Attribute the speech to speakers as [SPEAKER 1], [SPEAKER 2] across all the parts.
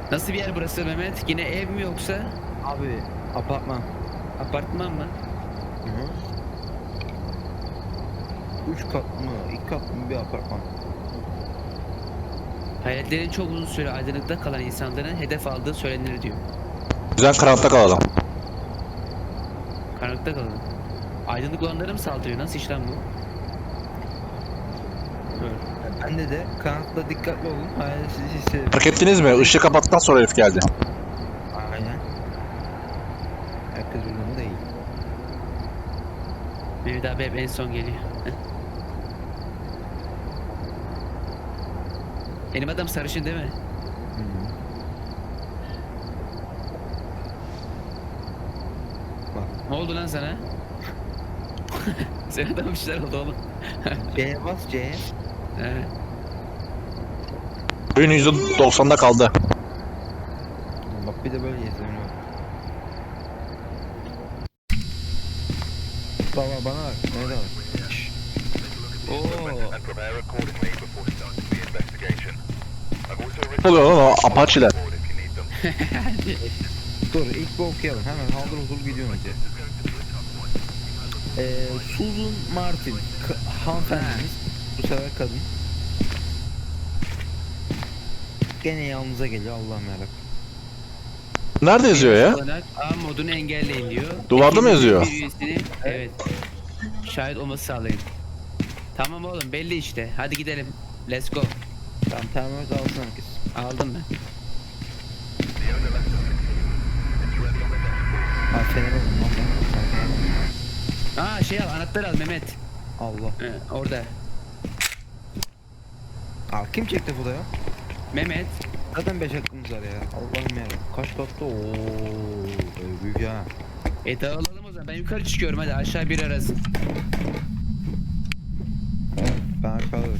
[SPEAKER 1] Nasıl bir yer burası Mehmet? Yine ev mi yoksa?
[SPEAKER 2] Abi apartman.
[SPEAKER 1] Apartman mı?
[SPEAKER 2] Hı hı. 3 kat mı? 2 kat mı bir apartman?
[SPEAKER 1] Hayaletlerin çok uzun süre aydınlıkta kalan insanların hedef aldığı söylenir diyor.
[SPEAKER 3] Yüzden karanlıkta kalalım.
[SPEAKER 1] Karanlıkta kalalım. Aydınlık olanlara mı saldırıyor? Nasıl iş lan bu?
[SPEAKER 2] Bende de karanlıkta dikkatli olun. Hayalet sizi hissedin.
[SPEAKER 3] Fark ettiniz mi? Işığı kapattıktan sonra herif geldi.
[SPEAKER 2] Aynen. Herkes uyumlu değil.
[SPEAKER 1] Mehmet abi hep en son geliyor. Benim adam sarışın değil mi?
[SPEAKER 2] Hı hı. Bak.
[SPEAKER 1] Ne oldu lan sana? Senin adamın bir şeyler oldu oğlum.
[SPEAKER 2] C'ye bas C'ye.
[SPEAKER 1] He.
[SPEAKER 3] Oyun %90'da kaldı.
[SPEAKER 2] Bak bir de böyle yazıyorum. Baba bana bak. Nerede bak. Şşş.
[SPEAKER 1] Oo.
[SPEAKER 4] and prepare accordingly before starting the investigation. I've also written
[SPEAKER 3] Ne oluyor lan o Apache'ler?
[SPEAKER 4] board if you need them.
[SPEAKER 2] Dur ilk bir okuyalım. Hemen haldır huzur gidiyorum önce. Susan Martin. Hanımefendimiz. Bu sefer kadın. Gene yanınıza geliyor Allah'ım yarabbim.
[SPEAKER 3] Nerede yazıyor ya?
[SPEAKER 1] Olarak A modunu engelleyin diyor.
[SPEAKER 3] Duvarda mı yazıyor?
[SPEAKER 1] Bir üyesini, evet. Şahit olması sağlayın. Tamam oğlum belli işte. Hadi gidelim. Let's go.
[SPEAKER 2] Tamam termometre alsın herkes.
[SPEAKER 1] Aldım ben.
[SPEAKER 2] Ha fener olun lan ben.
[SPEAKER 1] Aa şey al anahtarı al Mehmet.
[SPEAKER 2] Allah.
[SPEAKER 1] Orada.
[SPEAKER 2] Aa kim çekti bu da ya?
[SPEAKER 1] Mehmet.
[SPEAKER 2] Zaten 5 hakkımız var ya. Allah'ım yarabbim. Kaç katta? Ooo. Büyük ya.
[SPEAKER 1] Dağılalım o zaman. Ben yukarı çıkıyorum hadi aşağı bir arasın.
[SPEAKER 2] Ben aşağıda.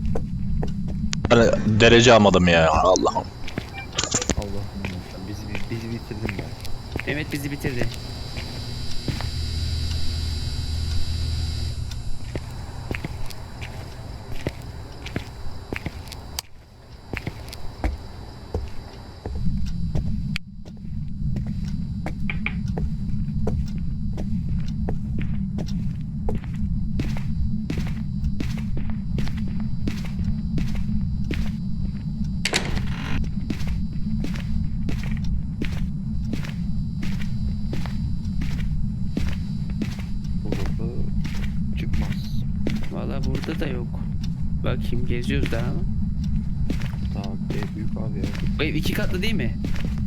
[SPEAKER 3] Ben derece almadım ya. Allah'ım.
[SPEAKER 2] Allah'ım yarabbim. Bizi bitirdin be.
[SPEAKER 1] Mehmet bizi bitirdi.
[SPEAKER 2] Bu kapı çıkmaz.
[SPEAKER 1] Valla burada da yok. Bakayım geziyoruz daha ama.
[SPEAKER 2] Tamam büyük abi ya.
[SPEAKER 1] Bu ev 2 katlı değil mi?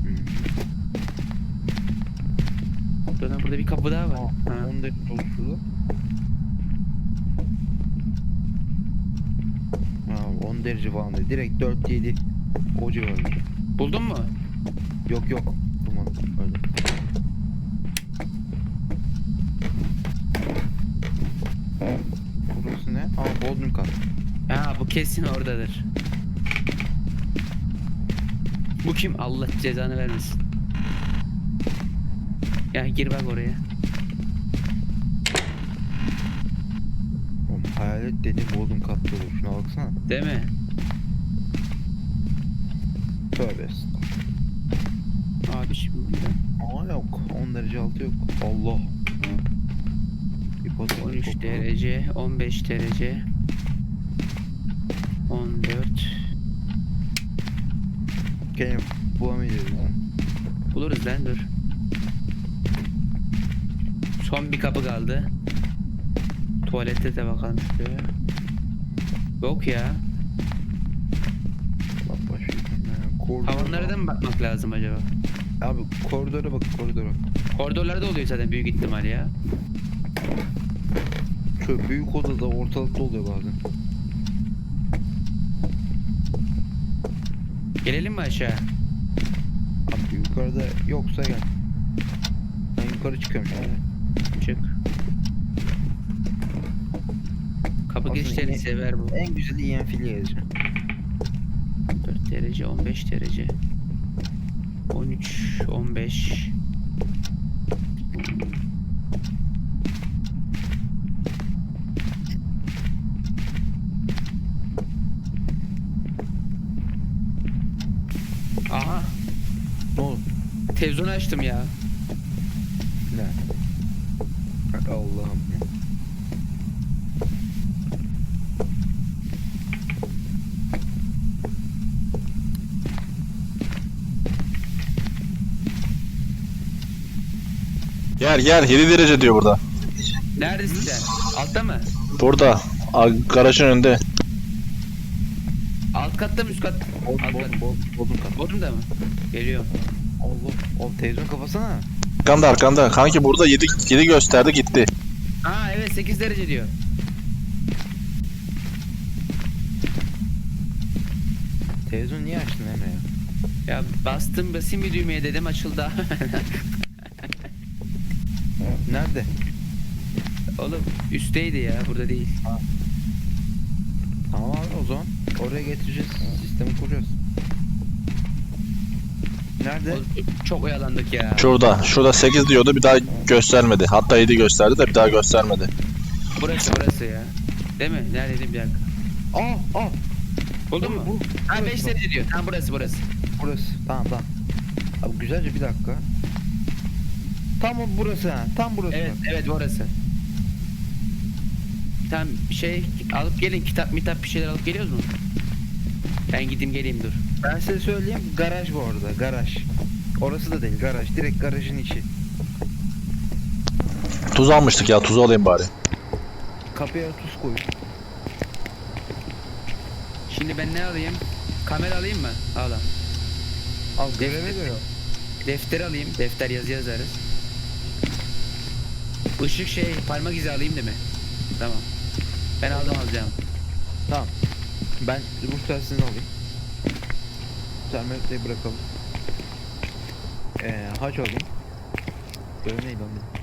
[SPEAKER 1] Burada bir kapı daha var. Ha.
[SPEAKER 2] 10 dakika şurada. Ha 10 derece falan değil. Direkt 4-7 o civarı.
[SPEAKER 1] Buldun mu?
[SPEAKER 2] Yok yok. Bulmadım. Öyle. Burası ne? Aa Bodrum kat.
[SPEAKER 1] Ha bu kesin oradadır. Bu kim? Allah cezanı vermesin. Ya gir bak oraya.
[SPEAKER 2] Oğlum hayalet dediğin Bodrum katta olur. Şuna baksana.
[SPEAKER 1] Değil mi?
[SPEAKER 2] Tövbe estağfurullah.
[SPEAKER 1] Abi şimdi
[SPEAKER 2] Aa yok. 10 derece altı yok. Allah. Hipotetik
[SPEAKER 1] 13
[SPEAKER 2] koku.
[SPEAKER 1] derece, 15 derece, 14.
[SPEAKER 2] Gene bulamayacağız.
[SPEAKER 1] Buluruz lan dur. Son bir kapı kaldı. Tuvalette de bakalım şuraya. Yok ya.
[SPEAKER 2] Bak başlayalım ya. Koridor.
[SPEAKER 1] Havanlara da mı bakmak lazım acaba?
[SPEAKER 2] Abi koridora bak koridora.
[SPEAKER 1] Koridorlarda oluyor zaten büyük ihtimal ya.
[SPEAKER 2] Şöyle büyük odada ortalıkta oluyor bazen.
[SPEAKER 1] Gelelim mi aşağı?
[SPEAKER 2] Abi yukarıda yoksa gel. Ben yukarı çıkıyorum şimdi.
[SPEAKER 1] Çık. Kapı
[SPEAKER 2] Aslında
[SPEAKER 1] girişlerini
[SPEAKER 2] yine-
[SPEAKER 1] sever bu.
[SPEAKER 2] En güzeli ENF'li yazacağım.
[SPEAKER 1] 4 derece, 15 derece. 13, 15. Aha. Televizyonu açtım ya.
[SPEAKER 2] Ne? Allah'ım ya.
[SPEAKER 3] Yer 7 derece diyor burada.
[SPEAKER 1] Neredesin sen? Altta mı?
[SPEAKER 3] Burada. Garajın önünde.
[SPEAKER 1] Alt katta mı üst kat? Alt kat.
[SPEAKER 2] Bodrum kat.
[SPEAKER 1] Bodrum'da mı? Geliyorum.
[SPEAKER 2] Allah. Oğlum televizyon kafasana.
[SPEAKER 3] Arkanda. Kanki burada 7 gösterdi gitti.
[SPEAKER 1] Aa evet 8 derece diyor.
[SPEAKER 2] Televizyon niye açtın Emre ya?
[SPEAKER 1] Ya basayım bir düğmeye dedim açıldı.
[SPEAKER 2] Nerede?
[SPEAKER 1] Oğlum üstteydi ya burada değil.
[SPEAKER 2] Tamam abi o zaman. Oraya getireceğiz. Sistemi kuracağız. Nerede?
[SPEAKER 1] Oğlum, çok oyalandık ya.
[SPEAKER 3] Şurada 8 diyordu bir daha göstermedi. Hatta 7 gösterdi de bir daha göstermedi.
[SPEAKER 1] Burası ya. Değil mi? Neredeydi bir dakika.
[SPEAKER 2] Aa.
[SPEAKER 1] Buldun mu? Ha 5 derece diyor. Tamam burası.
[SPEAKER 2] Burası. Tamam. Abi güzelce bir dakika. Tam burası ha. Tam burası.
[SPEAKER 1] Evet burası. Tamam alıp gelin kitap bir şeyler alıp geliyoruz mu? Ben gideyim geleyim dur.
[SPEAKER 2] Ben size söyleyeyim. Garaj bu arada. Garaj. Orası da değil. Garaj. Direkt garajın içi.
[SPEAKER 3] Tuz almıştık ya, tuzu alayım bari.
[SPEAKER 2] Kapıya tuz koy.
[SPEAKER 1] Şimdi ben ne alayım? Kamera alayım mı? Al.
[SPEAKER 2] Al göreve göre.
[SPEAKER 1] Defter alayım. Defter yazı yazarız. Işık parmak izi alayım değil mi? Tamam. Ben alacağım.
[SPEAKER 2] Tamam. Ben ruh telsizini alayım. Termometreyi bırakalım. Haç alayım. Görev neydi lan benim?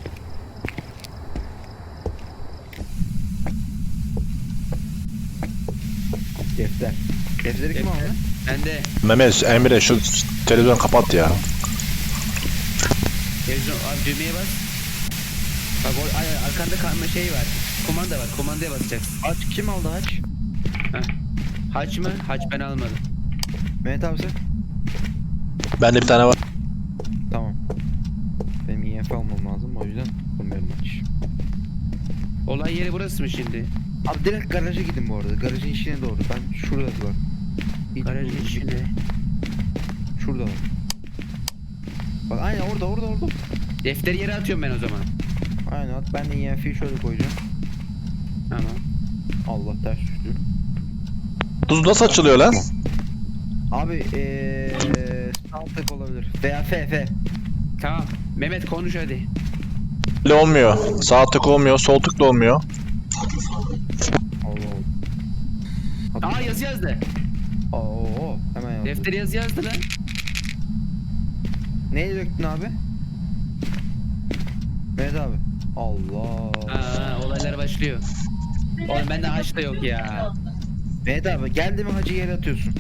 [SPEAKER 2] Defter. Defteri kim aldı?
[SPEAKER 1] Ben de
[SPEAKER 3] Mehmet, Emre şu televizyon kapat ya.
[SPEAKER 1] televizyon abi düğmeye bas. Bak arkanda var. Kumanda var. Kumandaya basacaksın.
[SPEAKER 2] Haç kim aldı haç?
[SPEAKER 1] Haç mı? Haç ben almadım.
[SPEAKER 2] Mehmet abi sen?
[SPEAKER 3] Bende bir tane var.
[SPEAKER 2] Tamam. Benim IF almam lazım o yüzden almıyorum haç.
[SPEAKER 1] Olay yeri burası mı şimdi?
[SPEAKER 2] Abi direkt garaja gidin bu arada. Garajın içine doğru. Ben şurada var. İyice
[SPEAKER 1] Garajın
[SPEAKER 2] durdum.
[SPEAKER 1] içinde.
[SPEAKER 2] Şurada var. Bak aynen orada.
[SPEAKER 1] Defteri yere atıyorum ben o zaman.
[SPEAKER 2] Aynen at. Ben de IF'yi şöyle koyacağım.
[SPEAKER 1] Tamam.
[SPEAKER 2] Allah ters düştü.
[SPEAKER 3] Tuz nasıl açılıyor lan?
[SPEAKER 2] Abi Staltek olabilir. Veya F.
[SPEAKER 1] Tamam. Mehmet konuş hadi.
[SPEAKER 3] Öyle olmuyor. Sağ tık olmuyor, sol tık da olmuyor.
[SPEAKER 2] Allah.
[SPEAKER 1] Aa yazı yazdı.
[SPEAKER 2] Oo, hemen yazdım.
[SPEAKER 1] Defteri yazı yazdı lan.
[SPEAKER 2] Neyi döktün abi? Mehmet abi. Allah.
[SPEAKER 1] Olaylar başlıyor. Oğlum bende haç da yok ya.
[SPEAKER 2] Mehmet abi geldi mi hacı yere atıyorsun.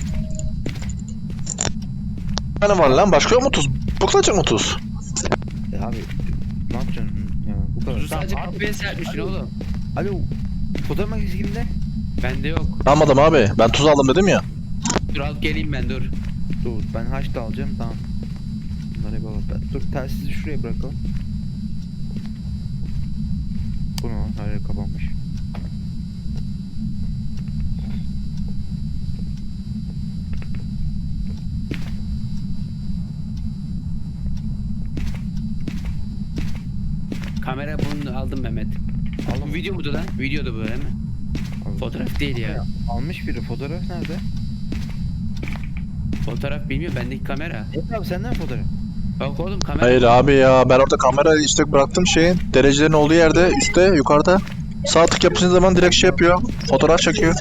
[SPEAKER 3] Bir tane var lan, başka yok mu tuz? Bu kadar mı tuz?
[SPEAKER 2] Abi ne yapacaksın? Ya, bu kadar.
[SPEAKER 1] Tuzu sadece
[SPEAKER 2] Tamam,
[SPEAKER 1] kapıya serpmişsin oğlum.
[SPEAKER 2] Alo. Fotoğraf makinesi kimde?
[SPEAKER 1] Bende yok.
[SPEAKER 3] Almadım abi. Ben tuz aldım dedim ya.
[SPEAKER 1] Dur alıp geleyim ben dur.
[SPEAKER 2] Dur ben haç da alacağım tamam. Bunları hep alalım. Dur telsizi şuraya bırakalım. Bu ne lan? Her yer kapanmış.
[SPEAKER 1] Kamera bunu aldım Mehmet.
[SPEAKER 2] Aldım.
[SPEAKER 1] Bu video mudur lan? Videodu bu değil mi? Fotoğraf değil ya.
[SPEAKER 2] Almış biri. Fotoğraf nerede?
[SPEAKER 1] Fotoğraf bilmiyorum bendeki kamera.
[SPEAKER 2] Evet abi senden fotoğraf.
[SPEAKER 1] Bak oğlum kamera.
[SPEAKER 3] Hayır abi ya, ben orada kamera işte bıraktım şeyin. Derecelerin olduğu yerde üstte, yukarıda. Sağ tık yaptığın zaman direkt yapıyor. Fotoğraf çekiyor.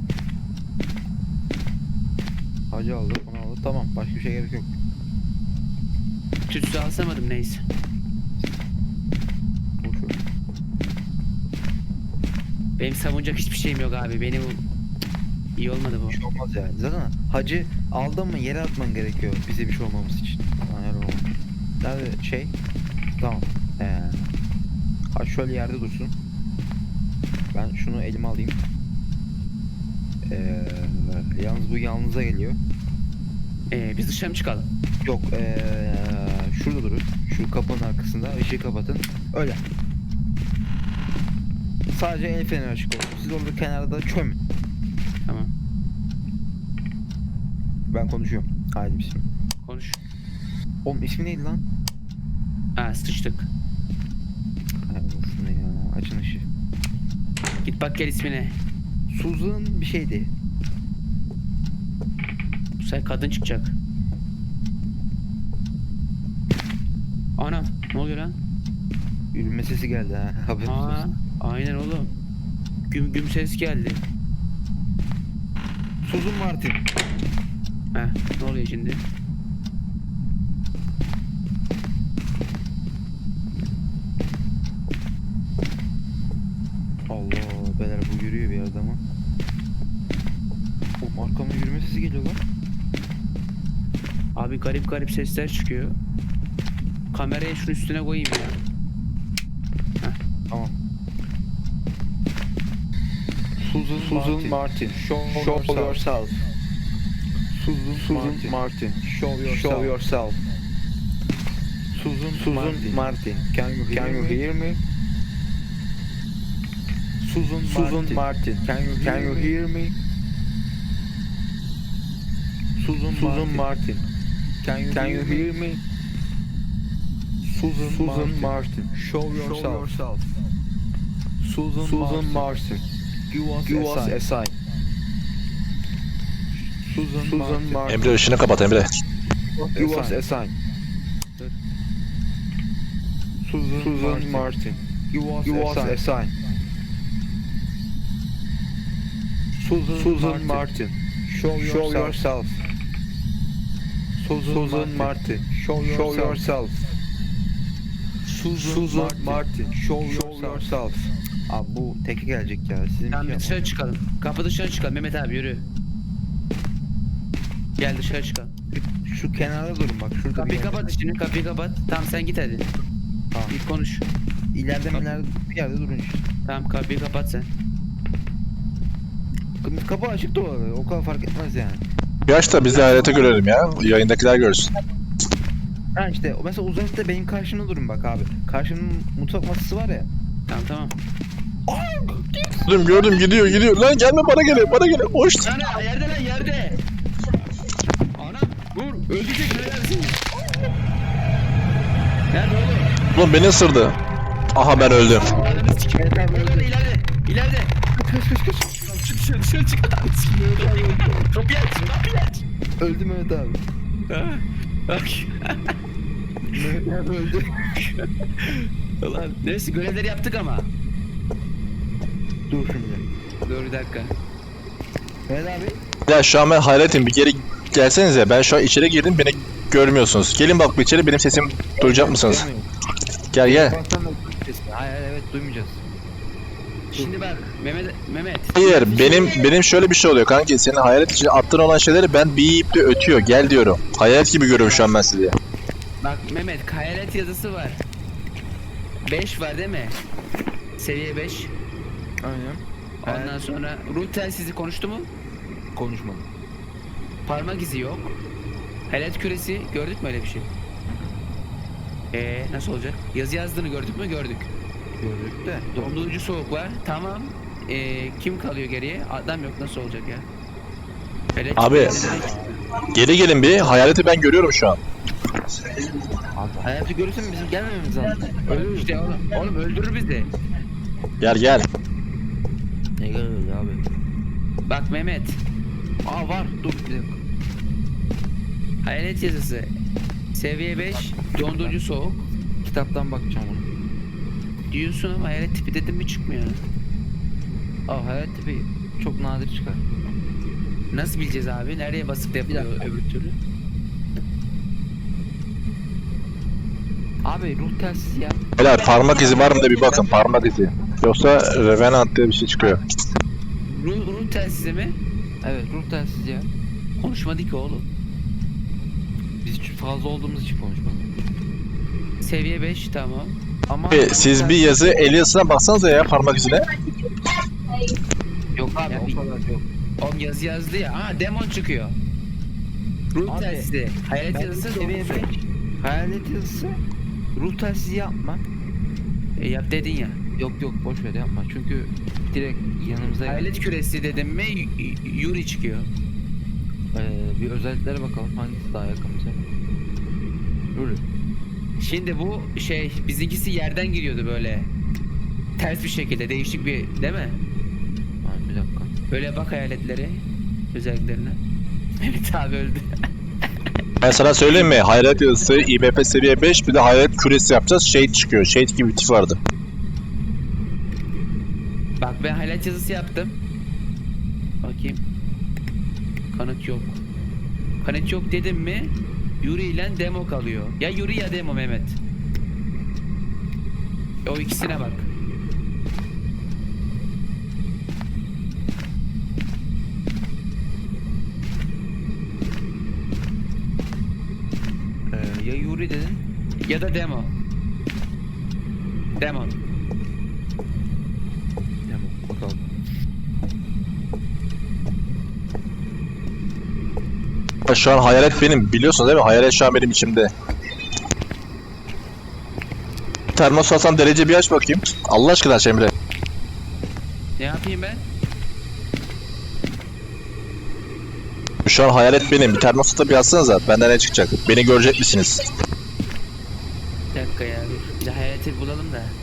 [SPEAKER 2] Hacı aldı, onu aldı. Tamam, başka bir şey gerek yok.
[SPEAKER 1] Tütsü alsamadım neyse.
[SPEAKER 2] Boş ver.
[SPEAKER 1] Benim savunacak hiçbir şeyim yok abi. Beni bu iyi olmadı bu.
[SPEAKER 2] Bir şey olmaz yani. Zaten hacı aldın mı yere atman gerekiyor bize bir şey olmamız için. Aynen olmaz. Nerede şey? Tamam. Hac şöyle yerde dursun. Ben şunu elime alayım. Yalnız bu yalnıza geliyor.
[SPEAKER 1] Biz dışarı mı çıkalım?
[SPEAKER 2] Yok şurada durun. Şu kapının arkasında ışığı kapatın. Öyle. Sadece el feneri açık olsun. Siz orada kenarda çömün.
[SPEAKER 1] Tamam.
[SPEAKER 2] Ben konuşuyorum. Haydi bismillah.
[SPEAKER 1] Konuş.
[SPEAKER 2] Oğlum ismi neydi lan?
[SPEAKER 1] Ha sıçtık.
[SPEAKER 2] Hay olsun ya. Açın ışığı.
[SPEAKER 1] Git bak gel ismine.
[SPEAKER 2] Susan bir şeydi.
[SPEAKER 1] Bu sefer kadın çıkacak. Anam ne oluyor lan?
[SPEAKER 2] Yürüme sesi geldi ha. Haberiniz
[SPEAKER 1] Aa,
[SPEAKER 2] olsun.
[SPEAKER 1] aynen oğlum. Güm güm ses geldi.
[SPEAKER 2] Susan Martin.
[SPEAKER 1] Heh, ne oluyor şimdi?
[SPEAKER 2] Allah beyler bu yürüyor bir yerde ama. Oğlum arkamda yürüme sesi geliyor lan.
[SPEAKER 1] Abi garip garip sesler çıkıyor. Kamerayı şunun üstüne koyayım ya.
[SPEAKER 2] Tamam. Susan Martin. Show yourself. Susan Martin. Show yourself. Susan Martin. Can you hear me? Susan Martin. Can you hear me? Susan Martin. Can you hear me? Susan Martin. Show yourself. Susan Martin. Give us a sign. Susan Martin.
[SPEAKER 3] Emre ışını kapat Emre.
[SPEAKER 2] Give us a sign. Susan Martin. Give us a sign. Susan Martin. Show yourself. Susan Martin. Show yourself. Susan Martin. Show yourself. Abi bu teke gelecek ya. Sizin
[SPEAKER 1] Tamam
[SPEAKER 2] bir şey
[SPEAKER 1] dışarı çıkalım. Kapı dışarı çıkalım. Mehmet abi yürü. Gel dışarı çıkalım.
[SPEAKER 2] şu kenarda durun bak şurada
[SPEAKER 1] Kapıyı
[SPEAKER 2] bir yerde.
[SPEAKER 1] kapat şimdi, kapıyı kapat. Tamam sen git hadi.
[SPEAKER 2] Tamam.
[SPEAKER 1] Bir konuş.
[SPEAKER 2] İleride bir yerde durun işte.
[SPEAKER 1] Tamam kapıyı kapat sen.
[SPEAKER 2] Kapı açık da olabilir. O kadar fark etmez yani.
[SPEAKER 3] Yaş da biz de hayrete görelim ya. Yayındakiler görsün.
[SPEAKER 2] Ha işte mesela uzakta benim karşımda durun bak abi. Karşımın mutfak masası var ya.
[SPEAKER 1] Tamam tamam.
[SPEAKER 3] Gördüm gidiyor. Lan gelme bana gele. Hoş.
[SPEAKER 1] Ana yerde lan yerde. Ana vur öldürecek nelersin? Nerede oğlum?
[SPEAKER 3] Ulan beni ısırdı. Aha ben öldüm.
[SPEAKER 1] Ananı sikim.
[SPEAKER 2] Evet abi,
[SPEAKER 1] Orada
[SPEAKER 2] öldü.
[SPEAKER 1] ileride.
[SPEAKER 2] Kaç.
[SPEAKER 1] Çık dışarı çık. Ananı sikim. Kapıyı aç.
[SPEAKER 2] Öldü Mehmet abi.
[SPEAKER 1] Ha, bak.
[SPEAKER 2] Mehmet abi öldü.
[SPEAKER 1] Ulan neyse görevleri yaptık ama.
[SPEAKER 2] Dur şimdi.
[SPEAKER 1] Dur bir dakika.
[SPEAKER 2] Mehmet abi.
[SPEAKER 3] Ya şu an ben hayretim, bir geri gelsenize. Ben şu an içeri girdim, beni görmüyorsunuz. Gelin bak bir içeri, benim sesim duyacak mısınız? Gel.
[SPEAKER 2] Hayır evet duymayacağız.
[SPEAKER 1] Şimdi bak Mehmet.
[SPEAKER 3] Hayır, benim şöyle bir şey oluyor kanki. Senin hayalet için attığın olan şeyleri ben bip de ötüyor. Gel diyorum. Hayalet gibi görüyorum şu an ben sizi.
[SPEAKER 1] Bak Mehmet hayalet yazısı var. 5 var değil mi? Seviye 5.
[SPEAKER 2] Aynen.
[SPEAKER 1] Ondan sonra ruh telsizi konuştu mu?
[SPEAKER 2] Konuşmadım.
[SPEAKER 1] Parmak izi yok. Hayalet küresi gördük mü öyle bir şey? Nasıl olacak? Yazı yazdığını gördük mü? Gördük.
[SPEAKER 2] Gördük de.
[SPEAKER 1] Dondurucu soğuk var. Tamam. Kim kalıyor geriye? Adam yok, nasıl olacak ya? Hayalet
[SPEAKER 3] Abi.
[SPEAKER 1] küresi
[SPEAKER 3] Geri gelin bir. Hayaleti ben görüyorum şu an.
[SPEAKER 2] Abi hayatı görürsen bizim gelmememiz lazım.
[SPEAKER 1] ölür işte oğlum. Oğlum öldürür bizi.
[SPEAKER 3] Gel.
[SPEAKER 2] Ne geliyor abi?
[SPEAKER 1] Bak Mehmet.
[SPEAKER 2] Aa var dur bir dakika.
[SPEAKER 1] Hayalet yazısı. Seviye 5. Dondurucu soğuk.
[SPEAKER 2] Kitaptan bakacağım onu.
[SPEAKER 1] Diyorsun ama hayalet tipi dedim mi çıkmıyor.
[SPEAKER 2] Aa hayat tipi çok nadir çıkar.
[SPEAKER 1] Nasıl bileceğiz abi? Nereye basıp da yapılıyor öbür türlü?
[SPEAKER 2] Abi ruh telsiz ya.
[SPEAKER 3] Beyler parmak izi var mı da bir bakın, parmak izi. Yoksa Revenant diye bir şey çıkıyor.
[SPEAKER 1] Ruh telsizi mi?
[SPEAKER 2] Evet ruh telsiz ya.
[SPEAKER 1] Konuşmadı ki oğlum.
[SPEAKER 2] Biz fazla olduğumuz için konuşmadık.
[SPEAKER 1] Seviye 5 tamam.
[SPEAKER 2] Ama
[SPEAKER 3] Siz bir yazı el yazısına baksanıza ya, parmak izine.
[SPEAKER 2] yok abi
[SPEAKER 1] Ya
[SPEAKER 2] o kadar yok.
[SPEAKER 1] Oğlum yazı yazdı ya. Aa demon çıkıyor. Ruh
[SPEAKER 2] Abi,
[SPEAKER 1] telsizi. Hayalet
[SPEAKER 2] Ben
[SPEAKER 1] yazısı
[SPEAKER 2] seviye
[SPEAKER 1] seviye
[SPEAKER 2] 5. Hayalet yazısı ruh telsizi yapma.
[SPEAKER 1] Yap dedin ya.
[SPEAKER 2] Yok yok boş ver yapma. Çünkü direkt yanımıza
[SPEAKER 1] Hayalet küresi dedim mi Yuri çıkıyor.
[SPEAKER 2] bir özelliklere bakalım hangisi daha yakın bize. Yürü.
[SPEAKER 1] Şimdi bu şey bizimkisi yerden giriyordu böyle. Ters bir şekilde değişik bir değil mi?
[SPEAKER 2] Ay, bir dakika.
[SPEAKER 1] Böyle bak hayaletleri özelliklerine. Evet abi öldü.
[SPEAKER 3] Ben sana söyleyeyim mi? Hayalet yazısı IMF seviye 5 bir de hayalet küresi yapacağız. Shade çıkıyor. Shade gibi bir tip vardı.
[SPEAKER 1] Bak ben hayalet yazısı yaptım. Bakayım. Kanıt yok. Kanıt yok dedim mi Yuri ile demo kalıyor. Ya Yuri ya demo Mehmet. O ikisine bak.
[SPEAKER 2] Ya Yuri dedin.
[SPEAKER 1] Ya da demo. Demo.
[SPEAKER 2] Tamam bakalım.
[SPEAKER 3] Şu an hayalet benim. Biliyorsun değil mi? Hayalet şu an benim içimde. Termos Hasan derece bir aç bakayım. Allah aşkına aç Emre.
[SPEAKER 1] Ne yapayım ben?
[SPEAKER 3] Şu an hayalet benim. Bir termosata bir açsanıza. Benden ne çıkacak? Beni görecek misiniz?
[SPEAKER 1] Bir dakika ya dur. Bir de hayaleti bulalım da.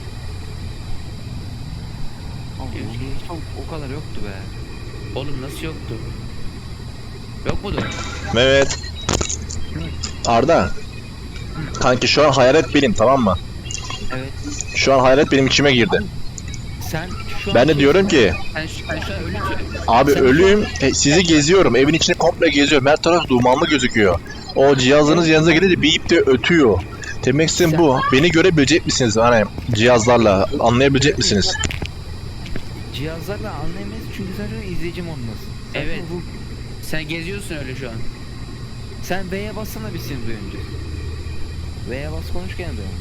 [SPEAKER 2] O kadar yoktu be.
[SPEAKER 1] Oğlum nasıl yoktu? Yok mudur?
[SPEAKER 3] Mehmet. Arda. Kanki şu an hayalet benim, tamam mı?
[SPEAKER 2] Evet.
[SPEAKER 3] Şu an hayalet benim içime girdi.
[SPEAKER 2] Sen şu an
[SPEAKER 3] Ben de diyorum ki
[SPEAKER 1] Sen şu an ölüsün.
[SPEAKER 3] abi
[SPEAKER 1] Sen-
[SPEAKER 3] ölüyüm, sizi geziyorum, evin içini komple geziyorum, her taraf dumanlı gözüküyor. O cihazınız yanınıza gelince bip de ötüyor. Demek istediğim bu. Beni görebilecek misiniz hani cihazlarla, anlayabilecek misiniz?
[SPEAKER 2] cihazlarla anlayamayız çünkü sen şu an izleyici modundasın. Sen
[SPEAKER 1] Evet.
[SPEAKER 2] bu-
[SPEAKER 1] Sen geziyorsun öyle şu an.
[SPEAKER 2] Sen V'ye bassana bir seni duyunca. V'ye bas konuş gene duyalım.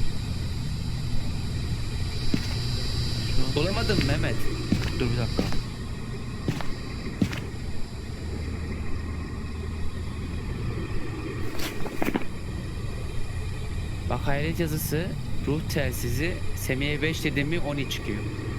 [SPEAKER 1] Bulamadım Mehmet.
[SPEAKER 2] Dur bir dakika.
[SPEAKER 1] Bak hayalet yazısı, ruh telsizi, Semih'e 5 dedim mi 12 çıkıyor.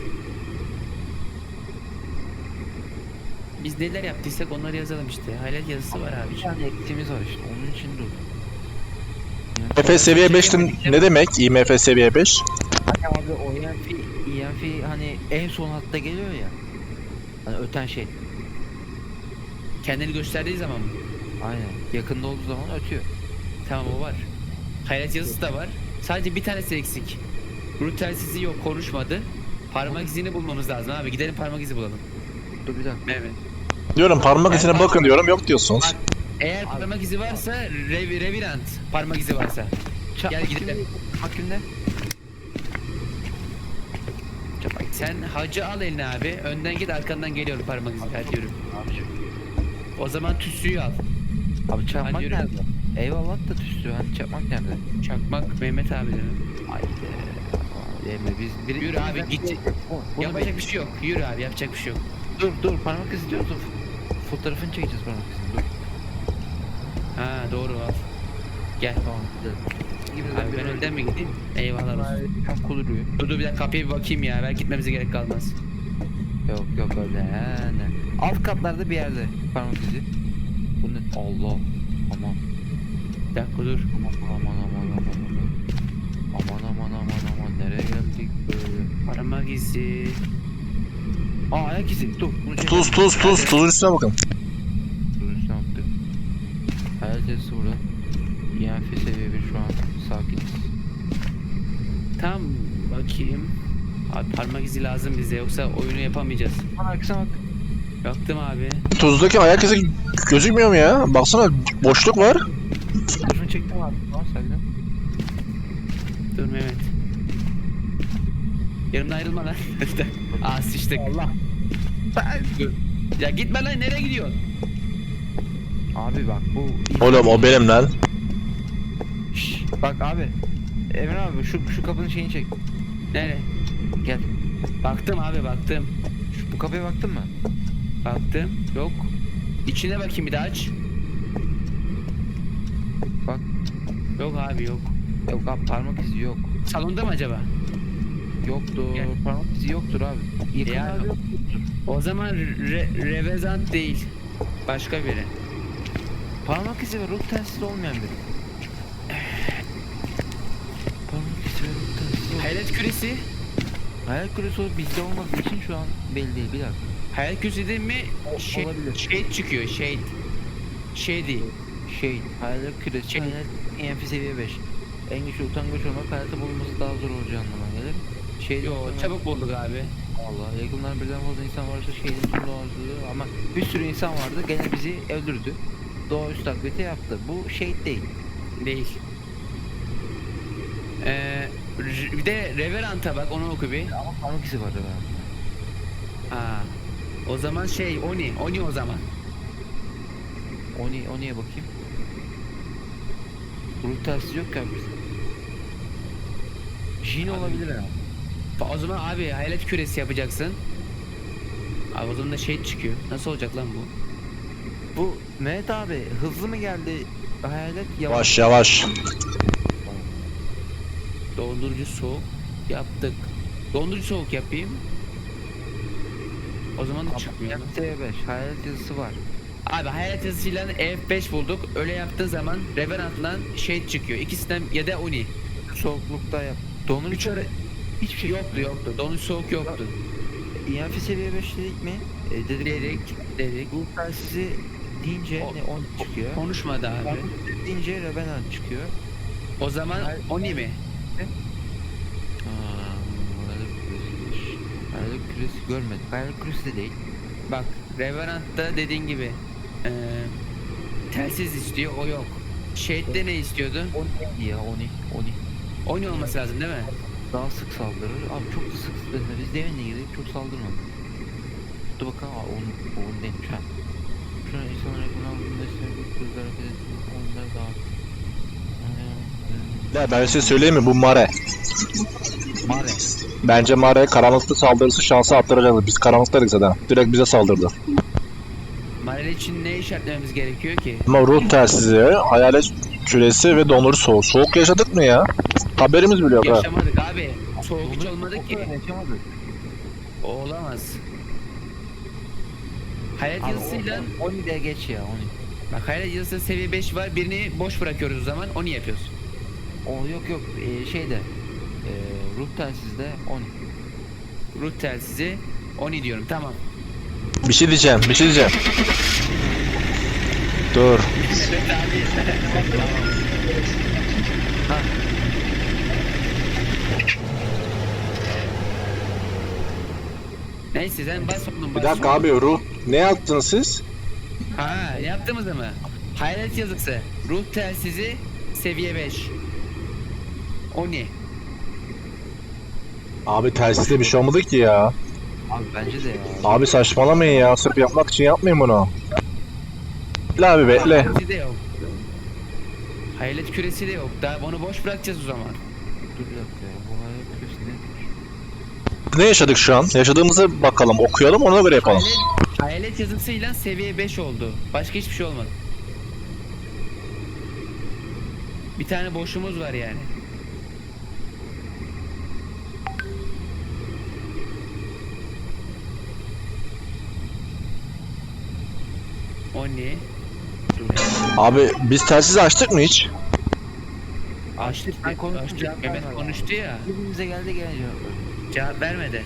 [SPEAKER 1] Biz neler yaptıysak onları yazalım işte. Hayalet yazısı var abi.
[SPEAKER 2] Bir tane eksiğimiz var işte onun için dur.
[SPEAKER 3] IMF seviye 5 ne demek? IMF seviye 5?
[SPEAKER 2] Hani abi o EMF hani en son hatta geliyor ya. Hani öten şey.
[SPEAKER 1] Kendini gösterdiği zaman mı?
[SPEAKER 2] Aynen. Yakında olduğu zaman ötüyor.
[SPEAKER 1] Tamam o var. Hayalet yazısı da var. Sadece bir tanesi eksik. Ruh telsizi yok, konuşmadı. Parmak izini bulmamız lazım abi. Gidelim parmak izi bulalım.
[SPEAKER 2] Dur bir dakika.
[SPEAKER 1] Evet.
[SPEAKER 3] Diyorum parmak izine bakın diyorum, yok diyorsunuz.
[SPEAKER 1] Eğer parmak izi varsa Revirant parmak izi varsa. Gel gidelim.
[SPEAKER 2] Hakimde.
[SPEAKER 1] Sen hacı al eline abi. Önden git arkandan geliyor parmak izi. Hadi yürü. O zaman tütsüyü al.
[SPEAKER 2] Abi çakmak
[SPEAKER 1] Hadi yürü.
[SPEAKER 2] nerede? Eyvallah da tüstü. Hani çakmak nerede?
[SPEAKER 1] Çakmak Mehmet abi de.
[SPEAKER 2] Haydi. Emre biz biri...
[SPEAKER 1] Yürü abi, git.
[SPEAKER 2] Bunu
[SPEAKER 1] Yapacak bir şey yok. Yürü abi yapacak bir şey yok.
[SPEAKER 2] dur parmak izi diyoruz. Fotoğrafını çekeceğiz parmak izini. Dur.
[SPEAKER 1] Ha doğru al. Gel.
[SPEAKER 2] Tamam gidelim.
[SPEAKER 1] Abi ben önden mi gideyim? Eyvallah olsun.
[SPEAKER 2] Tam kuduruyor.
[SPEAKER 1] Dur bir dakika kapıya bir bakayım ya. Belki gitmemize gerek kalmaz.
[SPEAKER 2] Yok öyle ne. Alt katlarda bir yerde parmak izi. Bu ne? Allah. Aman.
[SPEAKER 1] Bir dakika dur.
[SPEAKER 2] Aman nereye geldik böyle?
[SPEAKER 1] Parmak izi.
[SPEAKER 2] Ayak izi. Dur. Bunu çekelim.
[SPEAKER 3] Tuzun üstüne bakın.
[SPEAKER 2] Dur üstüne attık. Hayal testi burada. EMF seviye 1 şu an. Sakiniz.
[SPEAKER 1] Tam bakayım. Abi parmak izi lazım bize yoksa oyunu yapamayacağız.
[SPEAKER 2] Bana arkasına bak.
[SPEAKER 1] Baktım abi.
[SPEAKER 3] Tuzdaki ayak izi gözükmüyor mu ya? Baksana boşluk var.
[SPEAKER 2] Şunu çektim abi. Tamam saygıdan.
[SPEAKER 1] Dur Mehmet. Yanımdan ayrılma lan. Aa sıçtık.
[SPEAKER 2] Allah.
[SPEAKER 1] Dur. Ya gitme lan nereye gidiyorsun?
[SPEAKER 2] Abi bak bu...
[SPEAKER 3] Oğlum o benim lan.
[SPEAKER 2] Şşş, bak abi. Emre abi şu kapının şeyini çek.
[SPEAKER 1] Nereye?
[SPEAKER 2] Gel.
[SPEAKER 1] Baktım abi baktım.
[SPEAKER 2] Bu kapıya baktın mı?
[SPEAKER 1] Baktım. Yok. İçine bakayım bir daha aç.
[SPEAKER 2] Bak.
[SPEAKER 1] Yok abi yok.
[SPEAKER 2] Yok abi parmak izi yok.
[SPEAKER 1] Salonda mı acaba?
[SPEAKER 2] Yoktur.
[SPEAKER 1] Gel.
[SPEAKER 2] Parmak izi yoktur abi.
[SPEAKER 1] Ya.
[SPEAKER 2] Yakınlarda yok.
[SPEAKER 1] O zaman Revezant değil. Başka biri.
[SPEAKER 2] Parmak izi ve ruh telsizi olmayan biri. Parmak izi ve ruh telsizi olmayan.
[SPEAKER 1] Hayalet küresi.
[SPEAKER 2] Hayal küresi o bizde olmadığı için şu an belli değil. Bir dakika.
[SPEAKER 1] Hayalet küresi değil mi?
[SPEAKER 2] Olabilir.
[SPEAKER 1] Shade çıkıyor. Shade. Shady.
[SPEAKER 2] Hayal küresi.
[SPEAKER 1] Şey-
[SPEAKER 2] Hayal EMF seviye 5. En güçlü utangaç olmak hayatta bulunması daha zor olacağı anlamına gelir.
[SPEAKER 1] Yo çabuk bulduk abi.
[SPEAKER 2] Allah yakınlar birden fazla insan varsa şeyin tüm doğası ama bir sürü insan vardı gene bizi öldürdü. Doğaüstü taklidi yaptı. Bu şey değil.
[SPEAKER 1] Değil. Bir de Reverant'a bak, onu oku bir.
[SPEAKER 2] Ama parmak izi var ya.
[SPEAKER 1] Aa. O zaman şey Oni o zaman.
[SPEAKER 2] Oni'ye bakayım. Ruh tersi yok ya bizde. Jin olabilir ha.
[SPEAKER 1] O zaman abi hayalet küresi yapacaksın. Abi o zaman da şey çıkıyor. Nasıl olacak lan bu?
[SPEAKER 2] Bu Mehmet abi hızlı mı geldi? Hayalet
[SPEAKER 3] Yavaş yavaş.
[SPEAKER 1] Dondurucu soğuk yaptık. Dondurucu soğuk yapayım. O zaman da çıkmıyor.
[SPEAKER 2] T5 hayalet yazısı var.
[SPEAKER 1] Abi hayalet yazısıyla F5 bulduk. Öyle yaptığın zaman Revenant'la şey çıkıyor. İkisinden ya da Oni.
[SPEAKER 2] Soğuklukta yap. Dondurucu hiçbir şey
[SPEAKER 1] Yoktu. Dondurucu soğuk yoktu.
[SPEAKER 2] EMF seviye 5 dedik mi?
[SPEAKER 1] Dedik.
[SPEAKER 2] Ruh telsizi deyince
[SPEAKER 1] O-
[SPEAKER 2] ne 10 çıkıyor.
[SPEAKER 1] Konuşmadı abi.
[SPEAKER 2] Deyince Revenant çıkıyor.
[SPEAKER 1] O zaman Oni mi?
[SPEAKER 2] Hayalet küresi görmedik. Hayalet küresi de değil.
[SPEAKER 1] Bak Revenant'ta dediğin gibi telsiz istiyor, o yok. Shade'de ne istiyordu?
[SPEAKER 2] Oni ya Oni.
[SPEAKER 1] Oni olması lazım değil mi?
[SPEAKER 2] Daha sık saldırır. Abi çok da sık biz demin de girdik çok saldırmadı. Dur bakalım aa onu değilmiş ha. Şu an insanlar yakın aldığında sevdiği kızlar hareket ediyor. Onlar daha...
[SPEAKER 3] Ya ben size söyleyeyim mi bu Mare?
[SPEAKER 2] Mare.
[SPEAKER 3] Bence Mare karanlıkta saldırısı şansı arttıracaktı. Biz karanlıktaydık zaten. Direkt bize saldırdı.
[SPEAKER 1] Marel için ne işaretlememiz gerekiyor ki?
[SPEAKER 3] Ama ruh telsizi, hayalet küresi ve dondurucu soğuk. Soğuk yaşadık mı ya? Haberimiz bile yok ha.
[SPEAKER 1] Yaşamadık abi. Soğuk hiç olmadı ki.
[SPEAKER 2] Yaşamadık.
[SPEAKER 1] O olamaz. Hayalet yazısıyla
[SPEAKER 2] Oni de geç ya Oni.
[SPEAKER 1] bak hayalet yazısı seviye 5 var. Birini boş bırakıyoruz o zaman. Oni yapıyoruz.
[SPEAKER 2] O yok şeyde ruh telsizde Oni.
[SPEAKER 1] Ruh telsizi Oni diyorum. Tamam.
[SPEAKER 3] Bir şey diyeceğim. Dur.
[SPEAKER 1] Neyse sen bas oğlum
[SPEAKER 3] Bir
[SPEAKER 1] bas.
[SPEAKER 3] dakika abi ruh. Ne yaptınız siz?
[SPEAKER 1] Ha yaptığımızda mı? Hayalet yazısı. Ruh telsizi seviye 5. Oni.
[SPEAKER 3] Abi telsizde bir şey olmadı ki ya.
[SPEAKER 2] Abi bence de ya.
[SPEAKER 3] Abi saçmalamayın ya. Sırf yapmak için yapmayın bunu. Bekle abi bekle.
[SPEAKER 1] Küresi de yok. Hayalet küresi de yok. Daha onu boş bırakacağız o zaman.
[SPEAKER 2] Dur bir dakika ya. Bu hayal küresi ne?
[SPEAKER 3] Ne yaşadık şu an? Yaşadığımızı bakalım, okuyalım, ona göre yapalım.
[SPEAKER 1] Hayalet yazısıyla seviye 5 oldu. Başka hiçbir şey olmadı. Bir tane boşluğumuz var yani. Oni.
[SPEAKER 3] Abi biz telsizi açtık mı hiç?
[SPEAKER 1] Açtık.
[SPEAKER 2] Ben konuştum,
[SPEAKER 1] Açtık.
[SPEAKER 2] cevap
[SPEAKER 1] Mehmet
[SPEAKER 2] vermedi.
[SPEAKER 1] konuştu ya.
[SPEAKER 2] Birbirimize geldi gene cevap verdi.
[SPEAKER 1] Cevap vermedi.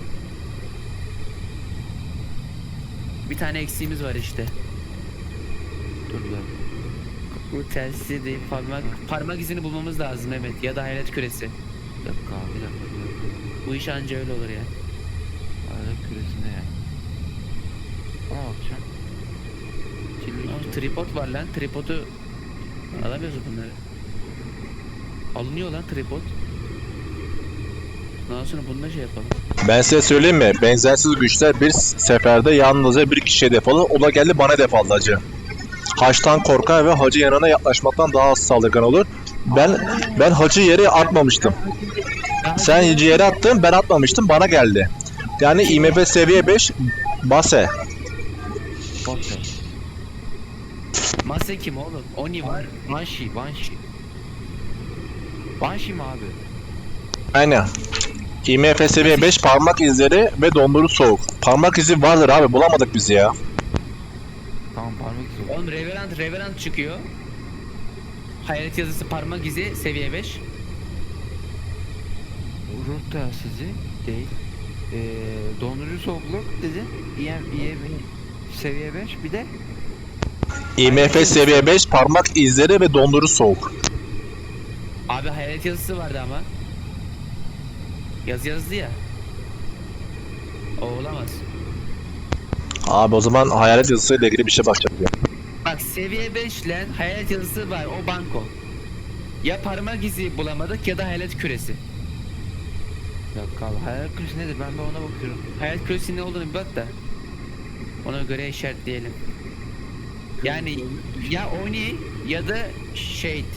[SPEAKER 1] Bir tane eksiğimiz var işte.
[SPEAKER 2] Dur bir dakika.
[SPEAKER 1] Bu telsizi değil, parmak izini bulmamız lazım Mehmet, ya da hayalet küresi.
[SPEAKER 2] Bir dakika abi, bir dakika.
[SPEAKER 1] Bu iş anca öyle olur ya.
[SPEAKER 2] Hayal küresi ne ya? Ona bakacağım.
[SPEAKER 1] Aa, tripod var lan, tripodu alamıyoruz bunları. Alınıyor lan tripod. Daha sonra bununla şey yapalım.
[SPEAKER 3] Ben size söyleyeyim mi? Benzersiz güçler bir seferde yalnızca bir kişiye hedef alır. O da geldi bana hedef aldı hacı. Haçtan korkar ve hacı yanına yaklaşmaktan daha az saldırgan olur. Ben hacı yere atmamıştım. Sen hacı yere attın, ben atmamıştım, bana geldi. Yani IMF seviye 5 base.
[SPEAKER 2] Bakın.
[SPEAKER 1] Mase kim oğlum? Oni var.
[SPEAKER 2] Banshee. Banshee mi abi?
[SPEAKER 3] Aynen. IMF seviye 5 parmak izleri ve dondurucu soğuk. Parmak izi vardır abi, bulamadık biz ya.
[SPEAKER 2] Tamam parmak izi.
[SPEAKER 1] Oğlum Revenant çıkıyor. Hayalet yazısı parmak izi seviye 5.
[SPEAKER 2] Ruh telsizi değil. Dondurucu soğukluk dedin. Seviye 5 bir de
[SPEAKER 3] IMF seviye 5 parmak izleri ve dondurucu soğuk.
[SPEAKER 1] Abi hayalet yazısı vardı ama. Yazdı ya. O olamaz.
[SPEAKER 3] Abi o zaman hayalet yazısıyla ilgili bir şey bakacağız ya.
[SPEAKER 1] Bak seviye 5 ile hayalet yazısı var, o banko. Ya parmak izi bulamadık ya da hayalet küresi.
[SPEAKER 2] yok abi. Hayal kırıcı nedir? Ben de ona bakıyorum.
[SPEAKER 1] Hayalet küresi ne olduğunu bir bak da. Ona göre işaretleyelim. Yani ya Oni ya da Shade.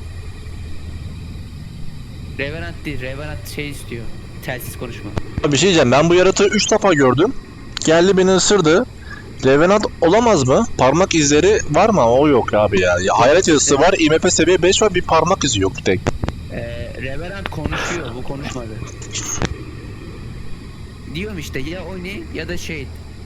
[SPEAKER 1] Revenant değil, Revenant şey istiyor. Telsiz konuşma.
[SPEAKER 3] Bir şey diyeceğim, ben bu yaratığı 3 defa gördüm. Geldi beni ısırdı. Revenant olamaz mı? Parmak izleri var mı? O yok abi ya. Hayalet yazısı var, IMF seviye 5 var, bir parmak izi yok tek.
[SPEAKER 1] Revenant konuşuyor, bu konuşmadı. Diyorum işte ya Oni ya da Shade.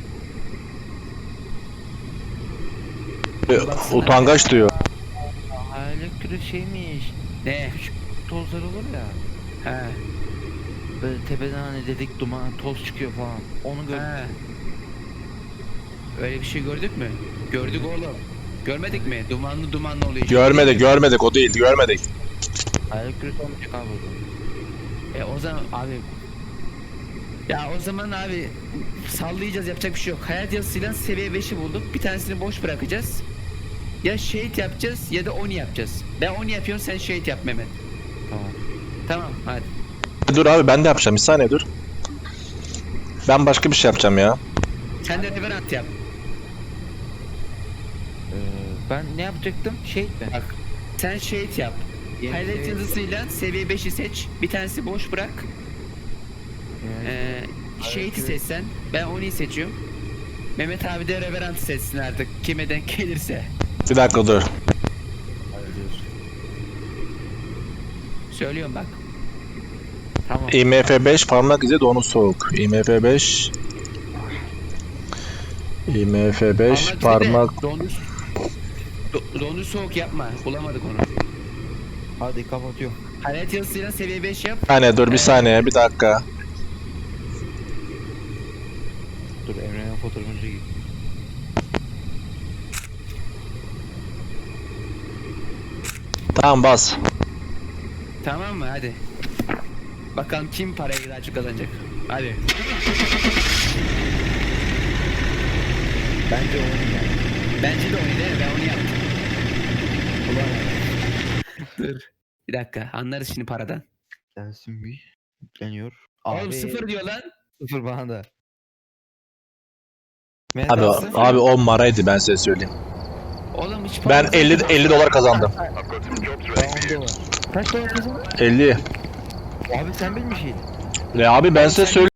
[SPEAKER 3] Utangaç diyor.
[SPEAKER 2] Hayal kırıcı şeymiş.
[SPEAKER 1] Ne?
[SPEAKER 2] Küçük tozlar olur ya.
[SPEAKER 1] He.
[SPEAKER 2] Böyle tepeden hani dedik duman toz çıkıyor falan. Onu gördüm.
[SPEAKER 1] He. Öyle bir şey gördük mü? Gördük oğlum. Görmedik mi? Dumanlı oluyor.
[SPEAKER 3] Görmedik, o değil, görmedik.
[SPEAKER 2] Hayal kırıcı olmayacak abi o zaman.
[SPEAKER 1] O zaman abi. Ya o zaman abi sallayacağız, yapacak bir şey yok. Hayat yazısıyla seviye 5'i bulduk. Bir tanesini boş bırakacağız. Ya Shade yapacağız ya da Oni yapacağız. Ben Oni yapıyorum, sen Shade yap Mehmet.
[SPEAKER 2] Tamam.
[SPEAKER 1] Tamam hadi.
[SPEAKER 3] Dur abi, ben de yapacağım, bir saniye dur. Ben başka bir şey yapacağım ya.
[SPEAKER 1] Sen de Revenant yap.
[SPEAKER 2] Ben ne yapacaktım? Şey mi?
[SPEAKER 1] Bak. Sen Shade yap.
[SPEAKER 2] Yeni
[SPEAKER 1] Hayat
[SPEAKER 2] seviye-
[SPEAKER 1] yazısıyla seviye 5'i seç. Bir tanesi boş bırak. Shade'i seçsen. Ben Oni'yi seçiyorum. Mehmet abi de Revenant'ı seçsin artık. Kime denk gelirse.
[SPEAKER 3] Bir dakika dur.
[SPEAKER 1] Söylüyorum bak.
[SPEAKER 2] Tamam.
[SPEAKER 3] IMF 5 parmak izi donu soğuk. IMF 5 IMF 5 parmak
[SPEAKER 1] Dondu soğuk yapma. Bulamadık onu.
[SPEAKER 2] Hadi kapatıyorum.
[SPEAKER 1] Hayat yazısıyla seviye 5 yap.
[SPEAKER 3] saniye dur, bir saniye, bir dakika.
[SPEAKER 2] Dur Emre'nin fotoğrafını çekeyim.
[SPEAKER 3] Tamam, bas.
[SPEAKER 1] Tamam mı? Hadi. Bakalım kim parayı daha çok kazanacak. Hadi.
[SPEAKER 2] Bence onu yani.
[SPEAKER 1] Bence de onu değil mi? Ben onu yaptım. Dur. Bir dakika. Anlarız şimdi paradan.
[SPEAKER 2] Gelsin bir. Yükleniyor.
[SPEAKER 1] Oğlum 0 diyor lan.
[SPEAKER 2] Sıfır bana da.
[SPEAKER 3] Abi 10 maraydı, ben size söyleyeyim.
[SPEAKER 1] Oğlum hiç
[SPEAKER 3] Ben 50 dolar kazandım.
[SPEAKER 4] I've got some jobs ready for you.
[SPEAKER 2] Kaç dolar kazandın?
[SPEAKER 3] 50.
[SPEAKER 2] Abi sen bilmişsin.
[SPEAKER 3] Abi ben size söyleyeyim.